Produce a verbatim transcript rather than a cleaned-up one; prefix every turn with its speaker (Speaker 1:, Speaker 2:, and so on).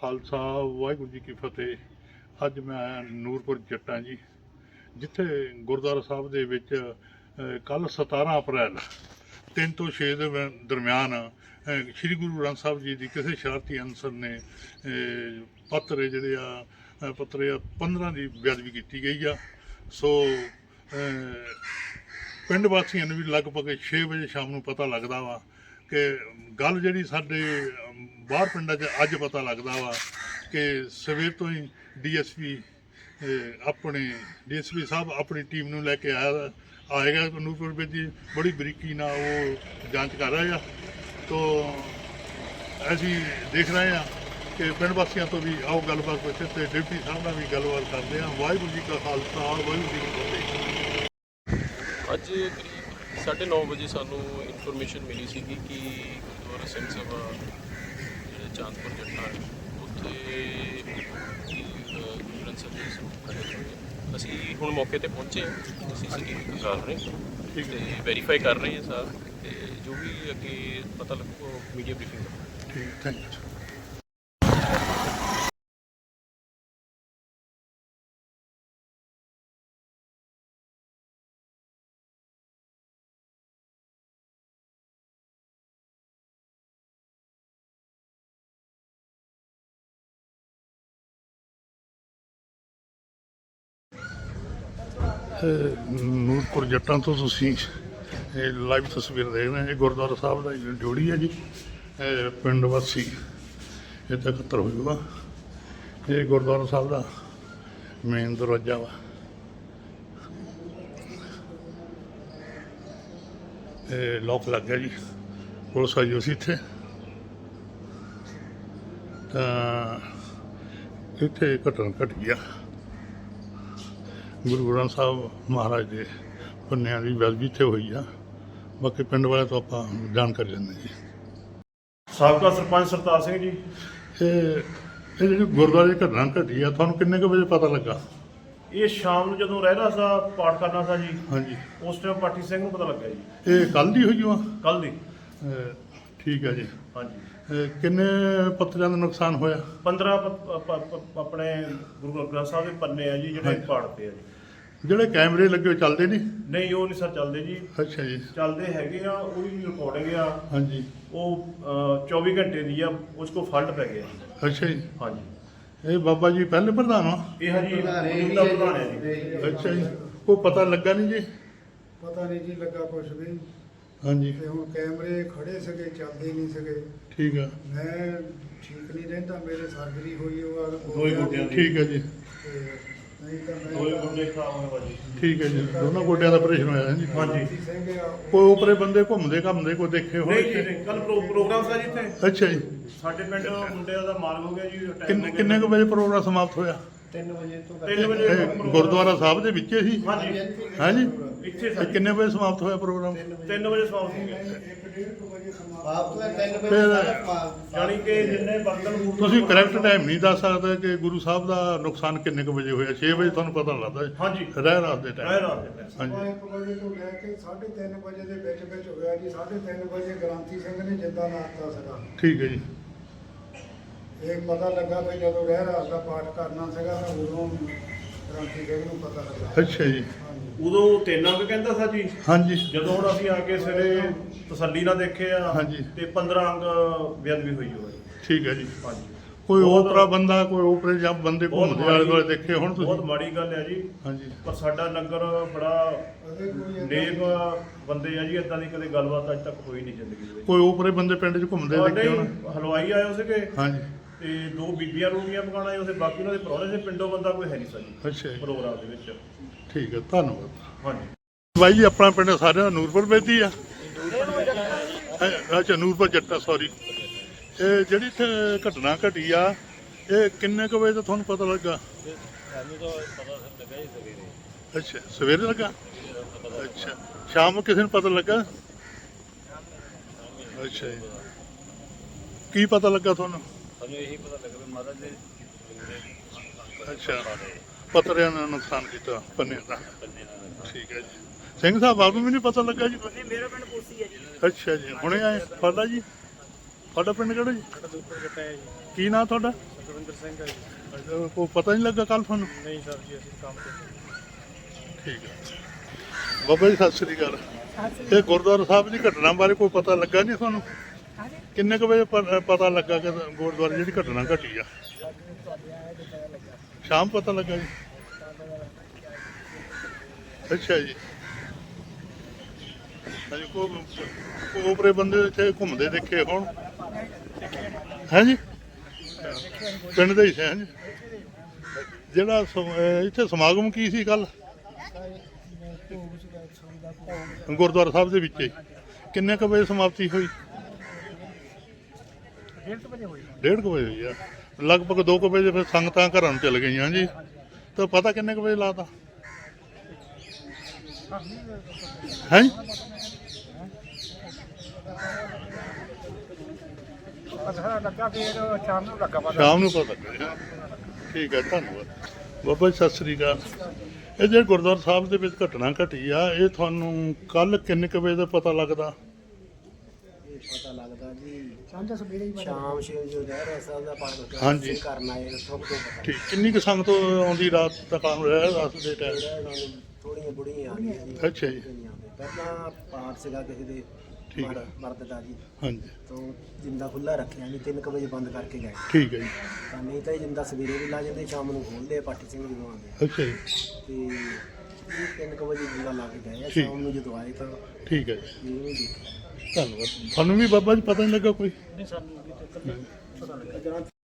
Speaker 1: ਖਾਲਸਾ ਵਾਹਿਗੁਰੂ ਜੀ ਕੀ ਫਤਿਹ। ਅੱਜ ਮੈਂ ਨੂਰਪੁਰ ਜੱਟਾਂ ਜੀ, ਜਿੱਥੇ ਗੁਰਦੁਆਰਾ ਸਾਹਿਬ ਦੇ ਵਿੱਚ ਕੱਲ੍ਹ ਸਤਾਰਾਂ ਅਪ੍ਰੈਲ ਤਿੰਨ ਤੋਂ ਛੇ ਦੇ ਦਰਮਿਆਨ ਸ਼੍ਰੀ ਗੁਰੂ ਗ੍ਰੰਥ ਸਾਹਿਬ ਜੀ ਦੀ ਕਿਸੇ ਸ਼ਰਾਰਤੀ ਅਨਸਰ ਨੇ ਪੱਤਰ ਜਿਹੜੇ ਆ ਪੱਤਰ ਆ ਪੰਦਰਾਂ ਦੀ ਬੇਅਦਬੀ ਕੀਤੀ ਗਈ ਆ। ਸੋ ਪਿੰਡ ਵਾਸੀਆਂ ਨੂੰ ਵੀ ਲਗਭਗ ਛੇ ਵਜੇ ਸ਼ਾਮ ਨੂੰ ਪਤਾ ਲੱਗਦਾ ਵਾ ਕਿ ਗੱਲ ਜਿਹੜੀ ਸਾਡੇ ਬਾਹਰ ਪਿੰਡਾਂ 'ਚ ਅੱਜ ਪਤਾ ਲੱਗਦਾ ਵਾ ਕਿ ਸਵੇਰ ਤੋਂ ਹੀ ਡੀ ਐਸ ਪੀ ਆਪਣੇ ਡੀ ਐਸ ਪੀ ਸਾਹਿਬ ਆਪਣੀ ਟੀਮ ਨੂੰ ਲੈ ਕੇ ਆਇਆ ਆਏਗਾ ਨੂਰਪੁਰ ਵਿੱਚ ਜੀ, ਬੜੀ ਬਰੀਕੀ ਨਾਲ ਉਹ ਜਾਂਚ ਕਰ ਰਹੇ ਆ। ਤੋ ਅਸੀਂ ਦੇਖ ਰਹੇ ਹਾਂ ਕਿ ਪਿੰਡ ਵਾਸੀਆਂ ਤੋਂ ਵੀ ਆਓ ਗੱਲਬਾਤ ਪੁੱਛੇ ਤੇ ਡਿਪਟੀ ਸਾਹਿਬ ਨਾਲ ਵੀ ਗੱਲਬਾਤ ਕਰਦੇ ਹਾਂ। ਵਾਹਿਗੁਰੂ ਜੀ ਕਾ ਖਾਲਸਾ ਵਾਹਿਗੁਰੂ ਜੀ ਕੀ ਫਤਿਹ।
Speaker 2: ਅੱਜ ਕਰੀਬ ਸਾਢੇ ਨੌ ਵਜੇ ਸਾਨੂੰ ਇਨਫੋਰਮੇਸ਼ਨ ਮਿਲੀ ਸੀਗੀ ਕਿ ਗੁਰਦੁਆਰਾ ਸਿੰਘ ਸਭਾ ਜਿਹੜੇ ਚਾਂਦਪੁਰ ਜੱਟਾਂ ਉੱਥੇ ਗ੍ਰੰਥ ਸਾਹਿਬ ਜੀ ਸਰੂਪ ਖੜੇ ਹੋਏ। ਅਸੀਂ ਹੁਣ ਮੌਕੇ 'ਤੇ ਪਹੁੰਚੇ ਹਾਂ, ਸੀ ਸੀ ਟੀ ਵੀ ਕਰ ਰਹੇ ਤੇ ਵੈਰੀਫਾਈ ਕਰ ਰਹੇ ਹਾਂ ਸਾਰ, ਤੇ ਜੋ ਵੀ ਅੱਗੇ ਪਤਾ ਲੱਗੂ ਮੀਡੀਆ ਬਰੀਫਿੰਗ ਕਰਾਂਗੇ।
Speaker 1: ਠੀਕ, ਥੈਂਕ ਯੂ। ਨੂਰਪੁਰ ਜੱਟਾਂ ਤੋਂ ਤੁਸੀਂ ਇਹ ਲਾਈਵ ਤਸਵੀਰ ਦੇਖ ਰਹੇ ਹੋ। ਇਹ ਗੁਰਦੁਆਰਾ ਸਾਹਿਬ ਦਾ ਡਿਊਟੀ ਹੈ ਜੀ। ਇਹ ਪਿੰਡ ਵਾਸੀ ਇੱਥੇ ਇਕੱਤਰ ਹੋਏ ਵਾ। ਇਹ ਗੁਰਦੁਆਰਾ ਸਾਹਿਬ ਦਾ ਮੇਨ ਦਰਵਾਜ਼ਾ ਵਾ। ਇਹ ਲੋਕ ਲੱਗ ਗਿਆ ਜੀ, ਪੁਲਿਸ ਆਈ ਹੋਈ ਸੀ ਇੱਥੇ। ਤਾਂ ਇੱਥੇ ਘਟਨਾ ਘਟੀ ਆ ਗੁਰੂ ਗ੍ਰੰਥ ਸਾਹਿਬ ਮਹਾਰਾਜ ਦੇ ਪੰਨਿਆਂ ਦੀ ਬੇਅਦਬੀ ਇੱਥੇ ਹੋਈ ਆ। ਬਾਕੀ ਪਿੰਡ ਵਾਲੇ ਤੋਂ ਆਪਾਂ ਜਾਣਕਾਰੀ ਲੈਂਦੇ ਜੀ।
Speaker 3: ਸਾਬਕਾ ਸਰਪੰਚ ਸਰਤਾਜ ਸਿੰਘ ਜੀ।
Speaker 1: ਇਹ ਇਹ ਜਿਹੜੀ ਗੁਰਦੁਆਰੇ ਦੀ ਘਟਨਾ ਘਟੀ ਆ, ਤੁਹਾਨੂੰ ਕਿੰਨੇ ਕੁ ਵਜੇ ਪਤਾ ਲੱਗਾ?
Speaker 3: ਇਹ ਸ਼ਾਮ ਨੂੰ ਜਦੋਂ ਰਹਿਣਾ ਸਾ ਪਾਠ ਕਰਨਾ ਸਾ ਜੀ,
Speaker 1: ਹਾਂਜੀ,
Speaker 3: ਉਸ ਟਾਈਮ ਪਾਠੀ ਸਿੰਘ ਨੂੰ ਪਤਾ ਲੱਗਿਆ ਜੀ।
Speaker 1: ਇਹ ਕੱਲ੍ਹ ਦੀ ਹੋਈ ਆ?
Speaker 3: ਕੱਲ ਦੀ।
Speaker 1: ਠੀਕ ਹੈ ਜੀ।
Speaker 3: ਹਾਂਜੀ।
Speaker 1: ਇਹ ਕਿੰਨੇ ਪੱਤਰਾਂ ਦਾ ਨੁਕਸਾਨ ਹੋਇਆ?
Speaker 3: ਪੰਦਰਾਂ ਆਪਣੇ ਗੁਰੂ ਗ੍ਰੰਥ ਸਾਹਿਬ ਦੇ ਪੰਨੇ ਆ ਜੀ ਜਿਹੜੇ ਪਾੜਦੇ ਆ ਜੀ।
Speaker 1: ਜਿਹੜੇ ਕੈਮਰੇ ਲੱਗੇ ਹੋਏ ਚੱਲਦੇ ਨਹੀਂ?
Speaker 3: ਨਹੀਂ, ਉਹ ਨਹੀਂ ਸਰ ਚੱਲਦੇ ਜੀ।
Speaker 1: ਅੱਛਾ ਜੀ।
Speaker 3: ਚੱਲਦੇ ਹੈਗੇ ਆ, ਉਹ ਵੀ ਰਿਕਾਰਡਿੰਗ ਆ।
Speaker 1: ਹਾਂਜੀ।
Speaker 3: ਉਹ ਚੌਵੀ ਘੰਟੇ ਦੀ ਆ, ਉਸ ਕੋ ਫਲਟ ਪੈ ਗਿਆ।
Speaker 1: ਅੱਛਾ ਜੀ।
Speaker 3: ਹਾਂਜੀ।
Speaker 1: ਇਹ ਬਾਬਾ ਜੀ ਪਹਿਲੇ ਪ੍ਰਧਾਨ ਆ?
Speaker 3: ਇਹ ਹਾਂਜੀ ਮੌਜੂਦਾ ਪ੍ਰਧਾਨ ਹੈ ਜੀ।
Speaker 1: ਅੱਛਾ ਜੀ। ਕੋਈ ਪਤਾ ਲੱਗਾ ਨਹੀਂ ਜੀ?
Speaker 4: ਪਤਾ ਨਹੀਂ ਜੀ ਲੱਗਾ ਕੁਛ ਵੀ।
Speaker 1: ਹਾਂਜੀ।
Speaker 4: ਤੇ ਹੁਣ ਕੈਮਰੇ ਖੜੇ ਸਕੇ, ਚੱਲਦੇ ਨਹੀਂ ਸਕੇ।
Speaker 1: ਠੀਕ ਆ।
Speaker 4: ਮੈਂ ਠੀਕ ਨਹੀਂ ਰਹਿੰਦਾ, ਮੇਰੇ ਸਰਜਰੀ ਹੋਈ ਉਹ
Speaker 3: ਦੋਏ ਗੋਡਿਆਂ ਦੀ।
Speaker 1: ਠੀਕ ਹੈ ਜੀ।
Speaker 4: ਤੇ ਨਹੀਂ ਤਾਂ ਮੈਂ
Speaker 3: ਦੋਏ ਗੋਡੇ ਖਰਾਬ ਹੋਏ ਬਾਜੀ।
Speaker 1: ਠੀਕ ਹੈ ਜੀ। ਦੋਨੋਂ ਗੋਡਿਆਂ ਦਾ ਆਪਰੇਸ਼ਨ ਹੋਇਆ ਹੈ ਜੀ।
Speaker 3: ਹਾਂਜੀ।
Speaker 4: ਸਿੰਘ ਆ,
Speaker 1: ਕੋਈ ਉਪਰੇ ਬੰਦੇ ਘੁੰਮਦੇ ਘੁੰਮਦੇ ਕੋਈ ਦੇਖੇ
Speaker 3: ਨਹੀਂ
Speaker 1: ਹੋਏ?
Speaker 3: ਜੀ, ਨਹੀਂ। ਕੱਲ ਪ੍ਰੋਗਰਾਮ ਸੀ ਜੀ ਇੱਥੇ।
Speaker 1: ਅੱਛਾ ਜੀ।
Speaker 3: ਸਾਡੇ ਪਿੰਡ ਮੁੰਡਿਆਂ ਦਾ ਮਾਰ ਹੋ ਗਿਆ ਜੀ। attack
Speaker 1: ਕਿੰਨੇ
Speaker 3: ਹੋ ਗਿਆ।
Speaker 1: ਕਿੰਨੇ ਕੁ ਵਜੇ ਪ੍ਰੋਗਰਾਮ ਸਮਾਪਤ ਹੋਇਆ?
Speaker 4: ਤਿੰਨ ਵਜੇ ਤੋਂ
Speaker 3: ਤਿੰਨ ਵਜੇ
Speaker 1: ਇਹ
Speaker 3: ਪ੍ਰੋਗਰਾਮ-
Speaker 1: ਗੁਰਦੁਆਰਾ ਸਾਹਿਬ ਦੇ ਵਿੱਚ ਹੀ?
Speaker 3: ਹਾਂਜੀ
Speaker 1: ਹਾਂਜੀ।
Speaker 3: ਇੱਥੇ
Speaker 1: ਤੇ
Speaker 3: ਸਾਡੇ
Speaker 1: ਕਿੰਨੇ ਵਜੇ ਸਮਾਪਤ ਹੋਇਆ ਪ੍ਰੋਗਰਾਮ?
Speaker 3: ਤਿੰਨ ਵਜੇ ਸਮਾਪਤ ਹੋ ਗਿਆ।
Speaker 4: ਇੱਕ ਡੇਢ ਕੁ ਵਜੇ ਸਮਾਪਤ।
Speaker 5: ਆਪ ਤੋਂ ਤਿੰਨ ਵਜੇ
Speaker 1: ਫਿਰ
Speaker 5: ਤੱਕ
Speaker 3: ਜਾਣੀ ਕਿ ਜਿੰਨੇ ਬਰਤਨ ਬੂਟਨ-
Speaker 1: ਤੁਸੀਂ ਕਰੈਕਟ ਟਾਈਮ ਨਹੀਂ ਦੱਸ ਸਕਦੇ ਕਿ ਗੁਰੂ ਸਾਹਿਬ ਦਾ ਨੁਕਸਾਨ ਕਿੰਨੇ ਕੁ ਵਜੇ ਹੋਇਆ? ਛੇ ਵਜੇ ਤੁਹਾਨੂੰ ਪਤਾ ਲੱਗਦਾ ਹੈ?
Speaker 3: ਹਾਂਜੀ।
Speaker 1: ਰਹਿ ਰਾਤ ਦੇ
Speaker 3: ਰਹਿ
Speaker 1: ਟਾਈਮ?
Speaker 3: ਰਾਤ ਦੇ ਟਾਈਮ।
Speaker 1: ਹਾਂਜੀ।
Speaker 4: ਇੱਕ ਵਜੇ ਤੋਂ ਲੈ ਕੇ ਸਾਢੇ ਤਿੰਨ ਵਜੇ ਦੇ ਵਿੱਚ ਵਿੱਚ ਹੋਇਆ ਜੀ। ਸਾਢੇ ਤਿੰਨ ਵਜੇ ਗ੍ਰਾਂਥੀ ਸਿੰਘ ਨੇ ਜਿੰਦਾ ਲਾਤਾ ਸੀਗਾ।
Speaker 1: ਠੀਕ ਹੈ ਜੀ।
Speaker 4: ਇਹ ਪਤਾ ਲੱਗਾ ਵੀ ਜਦੋਂ ਰਹਿ ਰਾਤ ਦਾ ਪਾਠ ਕਰਨਾ ਸੀਗਾ ਤਾਂ ਉਦੋਂ ਗ੍ਰਾਂਥੀ ਸਿੰਘ ਨੂੰ ਪਤਾ ਲੱਗਾ।
Speaker 1: ਅੱਛਾ ਜੀ।
Speaker 4: ਹਾਂਜੀ।
Speaker 3: ਉਦੋਂ ਤਿੰਨ ਅੰਕ ਕਹਿੰਦਾ ਸੀ ਜੀ।
Speaker 1: ਹਾਂਜੀ।
Speaker 3: ਜਦੋਂ ਹੁਣ ਅਸੀਂ ਆ ਕੇ ਸਵੇਰੇ ਤਸੱਲੀ ਨਾਲ ਦੇਖੇ ਆ
Speaker 1: ਹਾਂਜੀ।
Speaker 3: ਤੇ ਪੰਦਰਾਂ ਅੰਕ ਬੇਅਦਬੀ ਹੋਈ ਹੋਈ।
Speaker 1: ਠੀਕ ਹੈ ਜੀ।
Speaker 3: ਹਾਂਜੀ।
Speaker 1: ਕੋਈ
Speaker 3: ਬਹੁਤ-
Speaker 1: ਓਪਰਾ ਬੰਦਾ ਕੋਈ ਓਪਰੇ ਜਾਂ ਬੰਦੇ
Speaker 3: ਬਹੁਤ
Speaker 1: ਘੁੰਮਦੇ ਆਲੇ ਦੁਆਲੇ ਦੇਖੇ ਹੁਣ
Speaker 3: ਬਹੁਤ
Speaker 1: ਤੁਸੀਂ?
Speaker 3: ਮਾੜੀ ਗੱਲ ਹੈ ਜੀ।
Speaker 1: ਹਾਂਜੀ।
Speaker 3: ਪਰ ਸਾਡਾ ਨਗਰ ਬੜਾ
Speaker 4: ਅਜੇ ਕੋਈ ਏਦਾਂ-
Speaker 3: ਨੇਕ ਬੰਦੇ ਆ ਜੀ। ਇਦਾਂ ਦੀ ਕਦੇ ਗੱਲਬਾਤ ਅੱਜ ਤੱਕ ਹੋਈ ਨਹੀਂ ਜ਼ਿੰਦਗੀ ਦੇ ਵਿੱਚ।
Speaker 1: ਕੋਈ ਓਪਰੇ ਬੰਦੇ ਪਿੰਡ 'ਚ ਘੁੰਮਦੇ
Speaker 3: ਸਾਡੇ
Speaker 1: ਦੇਖੇ ਹੁਣ?
Speaker 3: ਹਲਵਾਈ ਆਏ ਸੀਗੇ
Speaker 1: ਹਾਂਜੀ।
Speaker 3: ਤੇ ਦੋ ਬੀਬੀਆਂ ਰੋਟੀਆਂ ਪਕਾਉਣ ਆਏ ਉਸੇ, ਬਾਕੀ ਉਹਨਾਂ ਦੇ ਪ੍ਰਾਹੁਣੇ ਦੇ ਪਿੰਡੋਂ ਬੰਦਾ ਕੋਈ ਹੈ ਨਹੀਂ ਸੀ
Speaker 1: ਅੱਛਾ ਜੀ।
Speaker 3: ਪ੍ਰੋਗਰਾਮ ਦੇ ਵਿੱਚ।
Speaker 1: ਠੀਕ ਹੈ, ਧੰਨਵਾਦ।
Speaker 3: ਹਾਂਜੀ।
Speaker 1: ਬਾਈ ਜੀ ਆਪਣਾ ਪਿੰਡ ਸਾਰਿਆਂ ਦਾ ਨੂਰਪੁਰ ਬੇਦੀ ਆ? ਅੱਛਾ, ਨੂਰਪੁਰ ਜੱਟਾ, ਸੌਰੀ। ਇਹ ਜਿਹੜੀ ਇੱਥੇ ਘਟਨਾ ਘਟੀ ਆ, ਇਹ ਕਿੰਨੇ ਕੁ ਵਜੇ ਤੋਂ ਤੁਹਾਨੂੰ ਪਤਾ ਲੱਗਾ?
Speaker 2: ਸਾਨੂੰ ਤਾਂ ਪਤਾ ਲੱਗਾ ਹੀ ਸਵੇਰੇ।
Speaker 1: ਅੱਛਾ, ਸਵੇਰੇ ਲੱਗਾ? ਅੱਛਾ, ਸ਼ਾਮ ਨੂੰ ਕਿਸੇ ਨੂੰ ਪਤਾ ਲੱਗਾ? ਅੱਛਾ ਜੀ। ਕੀ ਪਤਾ ਲੱਗਾ ਤੁਹਾਨੂੰ?
Speaker 2: ਸਾਨੂੰ ਇਹੀ ਪਤਾ ਲੱਗਾ ਵੀ ਮਹਾਰਾਜ ਦੇ
Speaker 1: ਅੱਛਾ, ਪੱਤਰਿਆਂ ਨੇ ਨੁਕਸਾਨ ਕੀਤਾ ਪੰਨਿਆਂ ਦਾ। ਠੀਕ ਹੈ ਜੀ। ਸਿੰਘ ਸਾਹਿਬ ਆਪ ਨੂੰ ਵੀ ਨਹੀਂ ਪਤਾ ਲੱਗਾ ਜੀ?
Speaker 6: ਨਹੀਂ, ਮੇਰਾ ਪਿੰਡ ਕੋਸੀ ਹੈ ਜੀ।
Speaker 1: ਅੱਛਾ ਜੀ, ਹੁਣੇ ਆਏ। ਤੁਹਾਡਾ ਜੀ? ਤੁਹਾਡਾ ਪਿੰਡ ਕਿਹੜਾ ਜੀ?
Speaker 6: ਸਾਡਾ ਦੂਪਰ ਜੱਟਾ ਹੈ ਜੀ।
Speaker 1: ਕੀ ਨਾਂ ਤੁਹਾਡਾ?
Speaker 5: ਦਵਿੰਦਰ ਸਿੰਘ ਹੈ ਜੀ।
Speaker 1: ਅੱਛਾ, ਕੋਈ ਪਤਾ ਨਹੀਂ ਲੱਗਾ ਕੱਲ ਤੁਹਾਨੂੰ?
Speaker 5: ਨਹੀਂ ਸਰ ਜੀ, ਅਸੀਂ ਕੰਮ ਤੇ
Speaker 1: ਠੀਕ ਹੈ ਬਾਬਾ ਜੀ, ਸਤਿ ਸ੍ਰੀ ਅਕਾਲ। ਇਹ ਗੁਰਦੁਆਰਾ ਸਾਹਿਬ ਦੀ ਘਟਨਾ ਬਾਰੇ ਕੋਈ ਪਤਾ ਲੱਗਾ ਨਹੀਂ ਤੁਹਾਨੂੰ? ਕਿੰਨੇ ਕੁ ਵਜੇ ਪ- ਪਤਾ ਲੱਗਾ ਕਿ ਗੁਰਦੁਆਰੇ ਜਿਹੜੀ ਘਟਨਾ ਘਟੀ ਆ? ਸ਼ਾਮ ਪਤਾ ਲੱਗਾ ਜੀ। ਅੱਛਾ ਜੀ। ਹਾਂਜੀ, ਕੋ ਕੋਪਰੇ ਬੰਦੇ ਇੱਥੇ ਘੁੰਮਦੇ ਦੇਖੇ ਹੁਣ? ਹੈ ਜੀ, ਪਿੰਡ ਦੇ ਹੀ ਸੀ। ਹਾਂਜੀ, ਜਿਹੜਾ ਸਮ- ਅਹ ਇੱਥੇ ਸਮਾਗਮ ਕੀ ਸੀ ਕੱਲ ਗੁਰਦੁਆਰਾ ਸਾਹਿਬ ਦੇ ਵਿੱਚ ਹੀ? ਕਿੰਨੇ ਕੁ ਵਜੇ ਸਮਾਪਤੀ ਹੋਈ?
Speaker 5: ਡੇਢ ਵਜੇ ਹੋਈ।
Speaker 1: ਡੇਢ ਕੁ ਵਜੇ ਹੋਈ ਆ। ਲਗਭਗ ਦੋ ਕੁ ਵਜੇ ਫਿਰ ਸੰਗਤਾਂ ਘਰਾਂ ਨੂੰ ਚਲ ਗਈਆਂ ਜੀ। ਤਾਂ ਪਤਾ ਕਿੰਨੇ ਕੁ ਵਜੇ ਲਾਤਾ ਹੈ?
Speaker 5: ਪਤਾ ਲੱਗਾ ਫਿਰ ਸ਼ਾਮ ਨੂੰ ਲੱਗਾ ਪਤਾ।
Speaker 1: ਸ਼ਾਮ ਨੂੰ ਪਤਾ ਲੱਗਿਆ। ਠੀਕ ਹੈ, ਧੰਨਵਾਦ ਬਾਬਾ ਜੀ, ਸਤਿ ਸ੍ਰੀ ਅਕਾਲ। ਇਹ ਜਿਹੜੇ ਗੁਰਦੁਆਰਾ ਸਾਹਿਬ ਦੇ ਵਿੱਚ ਘਟਨਾ ਘਟੀ ਆ, ਇਹ ਤੁਹਾਨੂੰ ਕੱਲ ਕਿੰਨੇ ਕੁ ਵਜੇ ਦਾ ਪਤਾ ਲੱਗਦਾ?
Speaker 6: ਪਤਾ ਲੱਗਦਾ ਜੀ
Speaker 5: ਸ਼ਾਮ ਦਾ ਸਵੇਰੇ ਹੀ
Speaker 6: ਸ਼ਾਮ ਛੇ ਵਜੇ ਰਹਿ ਰਿਹਾ ਸਾਹਿਬ ਦਾ ਪਾਠ
Speaker 1: ਹਾਂਜੀ।
Speaker 6: ਕਰਨਾ ਹੈ ਉੱਥੋਂ ਤੋਂ ਪਤਾ
Speaker 1: ਠੀਕ, ਕਿੰਨੀ ਕੁ ਸੰਗਤ ਆਉਂਦੀ ਰਾਤ ਤੱਕ ਆਉਂ ਰਿਹਾ ਰਾਤ ਦੇ ਟਾਈਮ?
Speaker 6: ਲੱਗਿਆ। ਥੋੜੀਆਂ ਬੁੜੀਆਂ ਆ ਗਈਆਂ ਜੀ।
Speaker 1: ਅੱਛਾ ਜੀ।
Speaker 6: ਦੁਨੀਆ ਦੇ। ਪਹਿਲਾਂ ਪਾਠ ਸੀਗਾ ਕਿਸੇ ਦੇ
Speaker 1: ਠੀਕ ਹੈ।
Speaker 6: ਮਰ- ਮਰਦ ਦਾ ਜੀ,
Speaker 1: ਹਾਂਜੀ,
Speaker 6: ਤੋਂ ਜਿੰਦਾ ਖੁੱਲਾ ਰੱਖਿਆ ਨਹੀਂ, ਤਿੰਨ ਕੁ ਵਜੇ ਬੰਦ ਕਰਕੇ ਗਏ।
Speaker 1: ਠੀਕ ਹੈ ਜੀ।
Speaker 6: ਤਾਂ ਨਹੀਂ ਤਾਂ ਇਹ ਜਿੰਦਾ ਸਵੇਰੇ ਵੀ ਲਾ ਜਾਂਦੇ, ਸ਼ਾਮ ਨੂੰ ਖੋਲ੍ਹਦੇ ਆ ਪਾਠੀ ਸਿੰਘ ਜਦੋਂ ਆਉਂਦੇ।
Speaker 1: ਅੱਛਾ ਜੀ।
Speaker 6: ਤੇ ਇਹ ਤਿੰਨ ਕੁ ਵਜੇ ਜਿੰਦਾ ਲਾ ਕੇ ਗਏ ਆ।
Speaker 1: ਠੀਕ।
Speaker 6: ਸ਼ਾਮ ਨੂੰ ਜਦੋਂ ਆਏ ਤਾਂ
Speaker 1: ਠੀਕ ਹੈ ਜੀ,
Speaker 6: ਇਹ ਨਹੀਂ ਦੇਖਿਆ।
Speaker 1: ਧੰਨਵਾਦ। ਤੁਹਾਨੂੰ ਵੀ ਬਾਬਾ ਜੀ ਪਤਾ ਨਹੀਂ ਲੱਗਾ ਕੋਈ?
Speaker 5: ਨਹੀਂ ਸਾਨੂੰ ਵੀ ਤੇ ਪਤਾ ਲੱਗਾ।